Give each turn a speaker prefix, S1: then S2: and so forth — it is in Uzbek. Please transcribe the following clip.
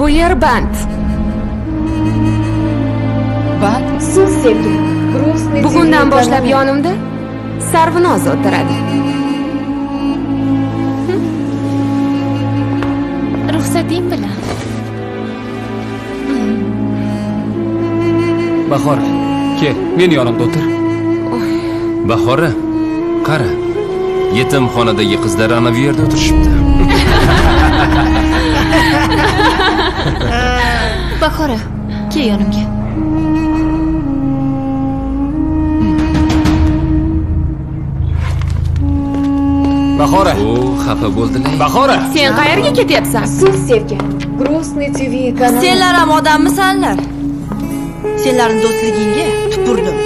S1: Bu yer band.
S2: Band?
S3: Suv sevgi. Грустный
S1: Bugundan
S3: TV
S1: boshlab
S3: kanali.
S1: yonimda Sarvinoz o'tiradi.
S4: Ruxsating bilan.
S5: Bahora, kel, men yonimda o'tir.
S6: Bahora, qara. Yetimxonadagi qizlar ana bu yerda o'tirishibdi.
S4: Bahora, kel yonimga.
S5: Bahora,
S6: O, xafa bo'ldilar.
S5: Bahora.
S1: Sen qayerga ketyapsan?
S3: Suv sevgi. Грустный TV kanali.
S7: Senlar ham odammisanlar? Senlarning do'stligingga tupurdim.